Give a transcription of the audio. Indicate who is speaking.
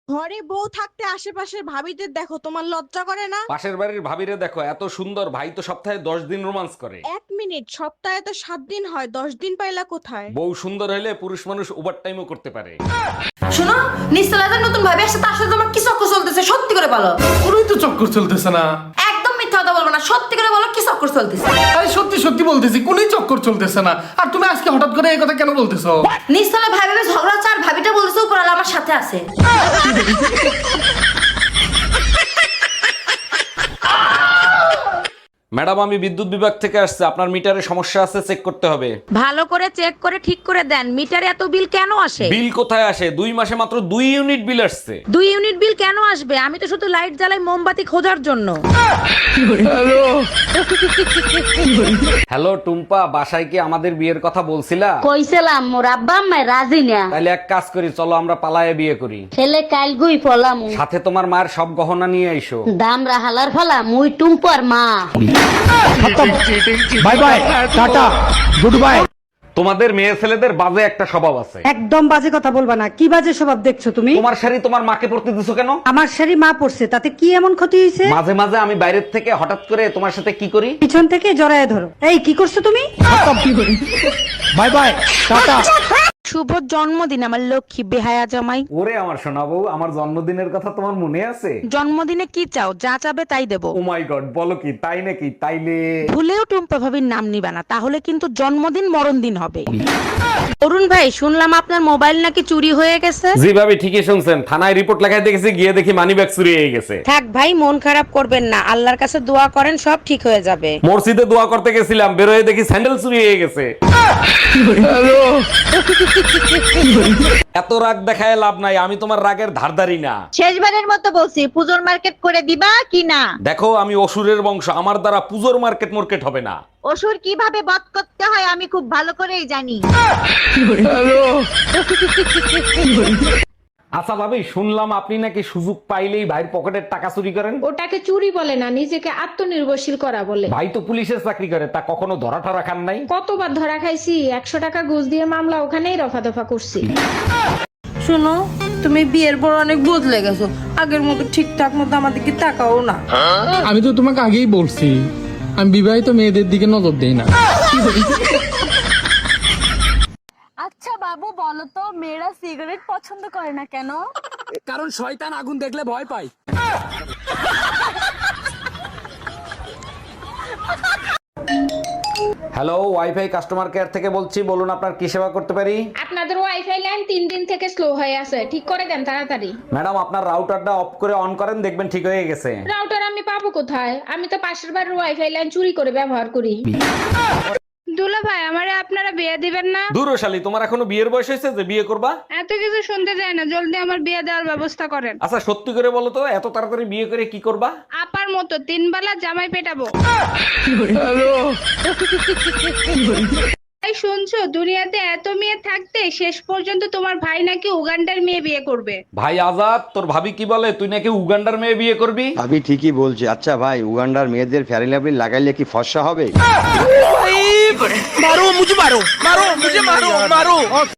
Speaker 1: ঘরে বউ থাকতে আশেপাশের ভাবিদের দেখো, তোমার লজ্জা করে না?
Speaker 2: পাশের বাড়ির ভাবিরে দেখো, এত সুন্দর, ভাই তো সপ্তাহে 10 দিন রোমান্স করে।
Speaker 1: 1 মিনিট, সপ্তাহে তো 7 দিন হয়, 10 দিন পাইলা কোথায়?
Speaker 2: বউ সুন্দর হলে পুরুষ মানুষ ওভার টাইমও করতে পারে।
Speaker 3: শোনো, নিস্তলাদের নতুন ভাবি আসছে, তার সাথে তোমার কি চক্কর চলতেছে? সত্যি করে বলো।
Speaker 4: কোনোই তো চক্কর চলতেছে না।
Speaker 3: একদম মিথ্যা কথা বলবো না, সত্যি করে বলো কি চক্কর চলতেছে।
Speaker 4: আরে সত্যি সত্যি বলতেছি, কোনোই চক্কর চলতেছে না। আর তুমি আজকে হঠাৎ করে এই কথা কেন বলতেছো?
Speaker 3: নিস্তলা ভাবি ভাবি ঝগড়া হচ্ছে, আর ভাবিটা বলতেছে উপরালা আমার সাথে আছে।
Speaker 2: ম্যাডাম, আমি বিদ্যুৎ বিভাগ থেকে আসছে, আপনার মিটারে সমস্যা আছে, চেক করতে হবে।
Speaker 5: ভালো করে চেক করে ঠিক করে দেন। মিটারে এত বিল কেন আসে?
Speaker 2: বিল কোথায় আসে? 2 মাসে মাত্র 2 ইউনিট বিল আসছে।
Speaker 5: 2 ইউনিট বিল কেন আসবে? আমি তো শুধু লাইট জ্বালাই মোমবাতি খোঁজার জন্য।
Speaker 2: হ্যালো টুম্পা, বাসায় কি আমাদের বিয়ের কথা বলছিলা?
Speaker 6: কইছিলাম মোর আব্বা আম্মা রাজি না।
Speaker 2: তাহলে এক কাজ করি, চলো আমরা পালায়ে বিয়ে করি।
Speaker 6: ছেলে কাল গুই ফলাম
Speaker 2: সাথে তোমার মায়ের সব গহনা নিয়ে আইসো।
Speaker 6: দাম রাহালার ফলা মুই টুম্পর মা।
Speaker 7: Bye bye, tata, good bye.
Speaker 2: তোমাদের মেয়ে ছেলেদের বাজে একটা স্বভাব আছে।
Speaker 8: একদম বাজে কথা বলবা না। কি বাজে স্বভাব দেখছো তুমি?
Speaker 2: তোমার শাড়ি তোমার মাকে পরতে দিছো কেন?
Speaker 8: আমার শাড়ি মা পড়ছে, তাতে কি এমন ক্ষতি হয়েছে?
Speaker 2: মাঝে মাঝে আমি বাইরের থেকে হঠাৎ করে তোমার সাথে কি করি?
Speaker 8: পিছন থেকে জড়ায় ধরো। এই কি করছো তুমি?
Speaker 7: By bye, tata.
Speaker 5: শুভ জন্মদিন আমার লক্ষ্মী বেহায়া জামাই।
Speaker 2: ওরে আমার সোনা বউ, আমার জন্মদিনের কথা তোমার মনে আছে?
Speaker 5: জন্মদিনে কি চাও? যা চাবে তাই দেবো।
Speaker 2: ও মাই গড, বলো কি তাই নাকি? তাইলে
Speaker 5: ভুলেও টুম্পা ভাবির নাম নিবা না, তাহলে কিন্তু জন্মদিন মরণ দিন হবে। অরুণ ভাই, শুনলাম আপনার মোবাইল নাকি চুরি হয়ে গেছে।
Speaker 2: জি ভাবি, ঠিকই শুনছেন। থানায় রিপোর্ট লেখায় দেখেছি, গিয়ে দেখি মানিব্যাগ চুরি হয়ে গেছে।
Speaker 5: থাক ভাই, মন খারাপ করবেন না, আল্লাহর কাছে দোয়া করেন, সব ঠিক হয়ে যাবে।
Speaker 2: মসজিদে দোয়া করতে গেছিলাম, বেরোয় দেখি স্যান্ডেল চুরি হয়ে গেছে। এত রাগ দেখায় লাভ নাই, আমি তোমার রাগের ধারধারি না।
Speaker 9: শেষবারের মতো বলছি, পুজোর মার্কেট করে দিবা কি না?
Speaker 2: দেখো, আমি অসুরের বংশ, আমার দ্বারা পুজোর মার্কেট হবে না।
Speaker 9: অসুর কিভাবে বধ করতে হয় আমি খুব ভালো করেই জানি।
Speaker 2: আচ্ছা ভাবি, শুনলাম আপনি নাকি সুযোগ পাইলেই ভাইয়ের পকেটের টাকা চুরি করেন।
Speaker 10: ওটাকে চুরি বলে না, নিজেকে আত্মনির্ভরশীল করা বলে।
Speaker 2: ভাই তো পুলিশের চাকরি করে, তা কখনো ধরা ঠরা খান নাই?
Speaker 10: কতবার ধরা খাইছি, 100 টাকা ঘুষ দিয়ে মামলা ওখানেই রফা দফা করছি।
Speaker 3: শোনো, তুমি বিয়ের পর অনেক বদলে গেছো, আগের মতো ঠিকঠাক মতো আমাদেরকে তাকাও না।
Speaker 4: আমি তো তোমাকে আগেই বলছি, আমি বিবাহিত মেয়েদের দিকে নজর দেই না।
Speaker 1: আচ্ছা বাবু, বলো তো মেয়েরা সিগারেট পছন্দ করে না কেন?
Speaker 7: কারণ শয়তান আগুন দেখলে ভয় পায়।
Speaker 2: হ্যালো, ওয়াইফাই কাস্টমার কেয়ার থেকে বলছি, বলুন আপনার কি সেবা করতে পারি?
Speaker 10: আপনাদের ওয়াইফাই লাইন 3 দিন থেকে স্লো হয়ে আছে, ঠিক করে দেন তাড়াতাড়ি।
Speaker 2: ম্যাডাম, আপনার রাউটারটা অফ করে অন করেন, দেখবেন ঠিক হয়ে গেছে।
Speaker 10: রাউটার আমি পাবো কোথায়? আমি তো পাশের বাড়ির ওয়াইফাই লাইন চুরি করে ব্যবহার করি। দুলা ভাই, আমারে আপনারা বিয়ে দিবেন না?
Speaker 2: দূর শালী, তোমার এখনো বিয়ের বয়স হয়েছে যে বিয়ে করবা?
Speaker 10: এত কিছু শুনতে চাই না, জলদি আমার বিয়ে দেওয়ার ব্যবস্থা করেন।
Speaker 2: আচ্ছা সত্যি করে বলো তো, এত তাড়াতাড়ি বিয়ে করে কি করবা?
Speaker 10: আপার মতো 3 বেলা জামাই পেটাবো। এই শুনছো, দুনিয়াতে এত মেয়ে থাকতে শেষ পর্যন্ত তোমার ভাই নাকি উগান্ডার মেয়ে বিয়ে করবে।
Speaker 2: ভাই আজাদ, তোর ভাবি কি বলে, তুই নাকি উগান্ডার মেয়ে বিয়ে করবি?
Speaker 11: ভাবি ঠিকই বলছে। আচ্ছা ভাই, উগান্ডার মেয়েদের ফেয়ারি লাভলি লাগাইলে কি ফর্সা হবে?
Speaker 7: মারো মুঝে, মারো মারো মুঝে, মারো মারো।